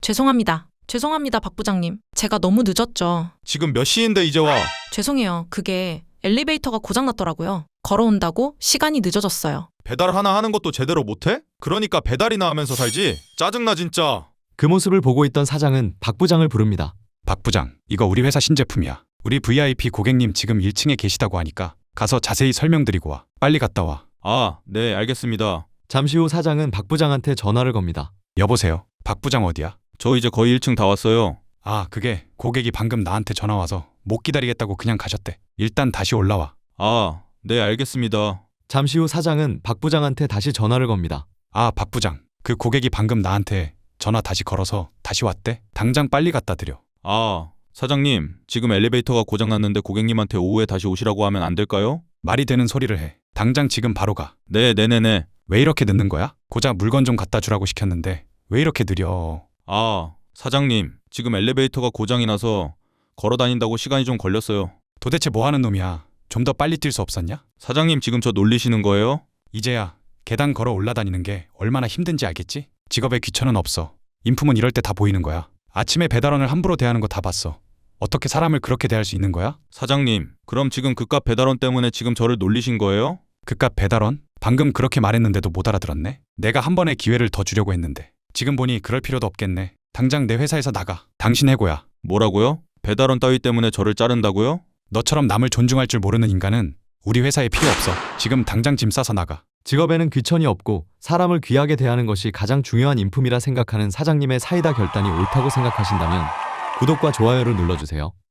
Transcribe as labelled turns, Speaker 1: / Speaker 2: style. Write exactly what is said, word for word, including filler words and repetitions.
Speaker 1: 죄송합니다. 죄송합니다, 박 부장님. 제가 너무 늦었죠.
Speaker 2: 지금 몇 시인데 이제 와?
Speaker 1: 죄송해요. 그게 엘리베이터가 고장났더라고요. 걸어온다고 시간이 늦어졌어요.
Speaker 2: 배달 하나 하는 것도 제대로 못해? 그러니까 배달이나 하면서 살지? 짜증나 진짜.
Speaker 3: 그 모습을 보고 있던 사장은 박 부장을 부릅니다.
Speaker 4: 박 부장, 이거 우리 회사 신제품이야. 우리 브이아이피 고객님 지금 일 층에 계시다고 하니까 가서 자세히 설명드리고 와. 빨리 갔다 와.
Speaker 2: 아, 네, 알겠습니다.
Speaker 3: 잠시 후 사장은 박 부장한테 전화를 겁니다.
Speaker 4: 여보세요? 박 부장 어디야?
Speaker 2: 저 이제 거의 일 층 다 왔어요.
Speaker 4: 아, 그게 고객이 방금 나한테 전화 와서 못 기다리겠다고 그냥 가셨대. 일단 다시 올라와.
Speaker 2: 아, 네, 알겠습니다.
Speaker 3: 잠시 후 사장은 박 부장한테 다시 전화를 겁니다.
Speaker 4: 아, 박 부장. 그 고객이 방금 나한테 전화 다시 걸어서 다시 왔대. 당장 빨리 갖다 드려.
Speaker 2: 아, 사장님, 지금 엘리베이터가 고장났는데 고객님한테 오후에 다시 오시라고 하면 안 될까요?
Speaker 4: 말이 되는 소리를 해. 당장 지금 바로 가.
Speaker 2: 네, 네네네.
Speaker 4: 왜 이렇게 늦는 거야? 고작 물건 좀 갖다 주라고 시켰는데 왜 이렇게 느려?
Speaker 2: 아, 사장님, 지금 엘리베이터가 고장이 나서 걸어 다닌다고 시간이 좀 걸렸어요.
Speaker 4: 도대체 뭐 하는 놈이야? 좀 더 빨리 뛸 수 없었냐?
Speaker 2: 사장님, 지금 저 놀리시는 거예요?
Speaker 4: 이제야 계단 걸어 올라다니는 게 얼마나 힘든지 알겠지? 직업에 귀천은 없어. 인품은 이럴 때 다 보이는 거야. 아침에 배달원을 함부로 대하는 거 다 봤어. 어떻게 사람을 그렇게 대할 수 있는 거야?
Speaker 2: 사장님, 그럼 지금 그깟 배달원 때문에 지금 저를 놀리신 거예요?
Speaker 4: 그깟 배달원? 방금 그렇게 말했는데도 못 알아들었네? 내가 한 번의 기회를 더 주려고 했는데 지금 보니 그럴 필요도 없겠네. 당장 내 회사에서 나가. 당신 해고야.
Speaker 2: 뭐라고요? 배달원 따위 때문에 저를 자른다고요?
Speaker 4: 너처럼 남을 존중할 줄 모르는 인간은 우리 회사에 필요 없어. 지금 당장 짐 싸서 나가.
Speaker 3: 직업에는 귀천이 없고 사람을 귀하게 대하는 것이 가장 중요한 인품이라 생각하는 사장님의 사이다 결단이 옳다고 생각하신다면 구독과 좋아요를 눌러주세요.